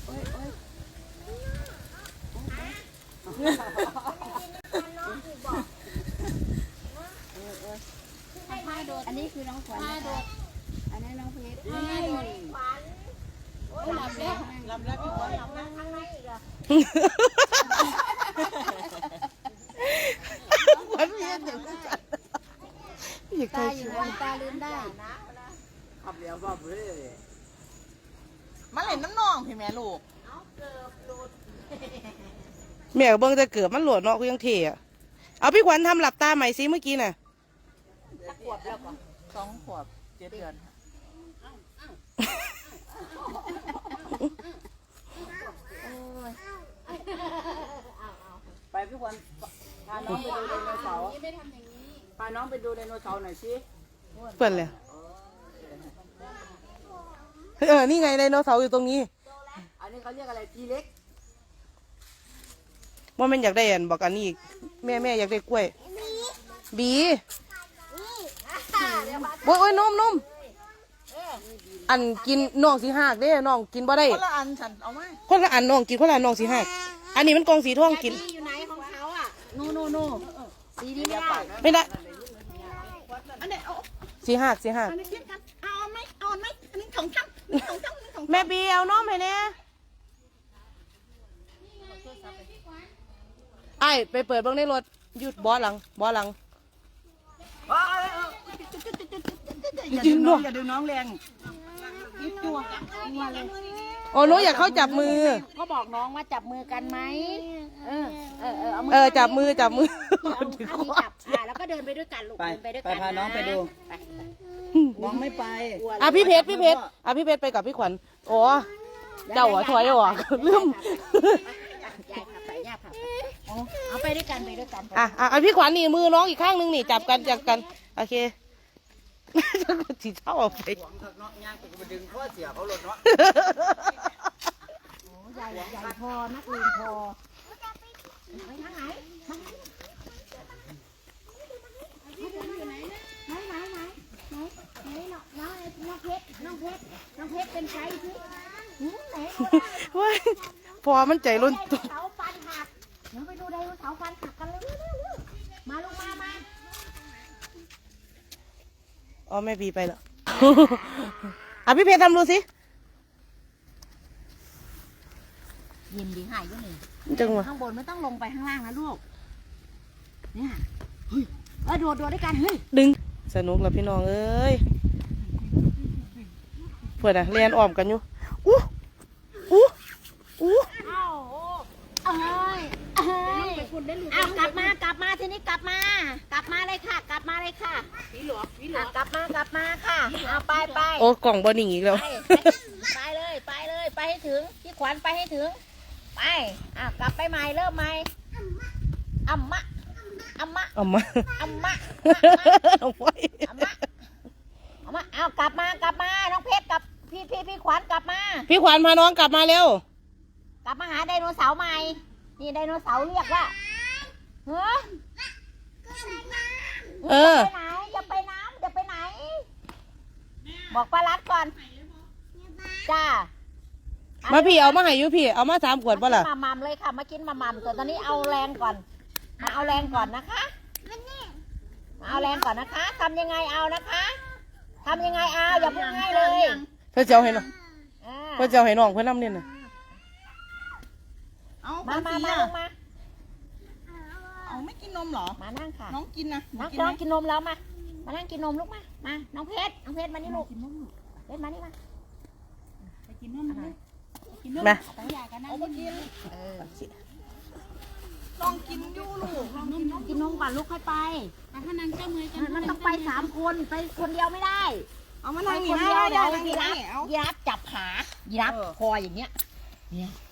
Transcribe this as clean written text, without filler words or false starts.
อันนี้คือน้องขวัญอันนี้น้องเพชรหลับแล้วพี่ขวัญหลับแล้วข้างในอีกเหรอขวัญเย็นอย่างนั้นตาอยู่นะตาลืมได้ขับเลี้ยวบ้าเบ้มาเล่นน้ำนองพี่แม่ลูกแม่เบิ้งจะเกิดมันหลวดเนาะกูยังเทอ่ะเอาพี่ขวัญทำหลับตาใหม่ซิเมื่อกี้น่ะขวบแล้วก่อน 2 ขวบ 7 เดือนไปพี่ขวัญพาน้องไปดูไดโนเสาร์พาน้องไปดูไดโนเสาร์หน่อยสิเปิดเลยนี่ไงไดโนเสาร์อยู่ตรงนี้อันนี้เขาเรียกอะไรทีเล็กว่ามันอยากได้อันบอกอันนี้อีกแม่อยากได้กล้วยบีโอ้ยนมอันกินน้องสีหักเด้น้องกินบ่ได้คนละอันฉันเอาไหมคนละอันน้องกินคนละอันน้องสีหักอันนี้มันกองสีทองกินอยู่ไหนของเขาอ่ะโนสีนี้ไม่ได้อันนี้เอาสีหักอันนี้กินกันเอาไหมอันนี้ของฉันแม่บีเอาน้องให้เนี่ยไอ้ไปเปิดเบิ้งในรถหยุดบอสหลังอย่าดึงน้องแรงตัวโอ้หนูอยากเข้าจับมือเขาบอกน้องว่าจับมือกันไหมจับมือจับแล้วก็เดินไปด้วยกันลูกไปพาน้องไปดูน้องไม่ไปพี่เพชรไปกับพี่ขวัญโอ้เจ้าถอยออกลืมยายพาไปเอาไปด้วยกันพี่ขวัญนี่มือน้องอีกข้างนึงนี่จับกันโอเคที่เช่าเอาไปหวังถักเนาะย่างไปดึงข้อเสียเขาหลดเนาะใหญ่พอนักเลงพอไปทางไหนน้องเพชรเป็นใครสิไหนพอมันใจล้นตัวเสาฟันหักเดี๋ยวไปดูไดโนเสาร์ฟันหักกันเลยมาลูกมาอ๋อแม่บีไปแล้วพี่เพชรทำดูสิยินดีหายก็หนึ่งจังหวะข้างบนไม่ต้องลงไปข้างล่างนะลูกเนี่ยโดดด้วยกันเฮ้ยดึงสนุกแล้วพี่น้องเอ้ยเพื่อนเรียนอ้อมกันอยู่เอากลับมาทีนี้กลับมาเลยค่ะกลับมาเลยค่ะพี่หลวงกลับมาค่ะเอาไปโอ้กล่องบอลหนิงอีกแล้วไปเลยไปให้ถึงพี่ขวัญไปให้ถึงไปกลับไปใหม่เริ่มใหม่อัมมะเอากลับมาน้องเพชรกับพี่ขวัญกลับมาพี่ขวัญพาน้องกลับมาเร็วกลับมาหาไดโนเสาร์ใหม่นี่ไดโนเสาร์เรียกว่าจะไปไหนบอกป้ารัดก่อนจ้ามาพี่เอามาให้ยูพี่เอามา3 ขวดป่ะล่ะมามัมเลยค่ะมากินมามัมแต่ตอนนี้เอาแรงก่อนเอาแรงก่อนนะคะเอาแรงก่อนนะคะทำยังไงเอานะคะทำยังไงเอาอย่าพูดง่ายเลยเพื่อเจ้าให้น้องเพื่อเจ้าให้น้องเพื่อนน้ำเนี่ยนะมาเอาไม่กินนมหรอมานั่งค่ะน้องกินนะน้องกินนมแล้วมานั่งกินนมลูกมาน้องเพชรมานี่ลูกเพชรมานี่มาไปกินนมมาเอามากินลองกินดูลูกกินนมก่อนลูกค่อยไปถ้านั่งเจ้ามือมันต้องไป3 คนไปคนเดียวไม่ได้เอามานั่งคนเดียวเดี๋ยวยีราฟจับขายีราฟคออย่างเงี้ย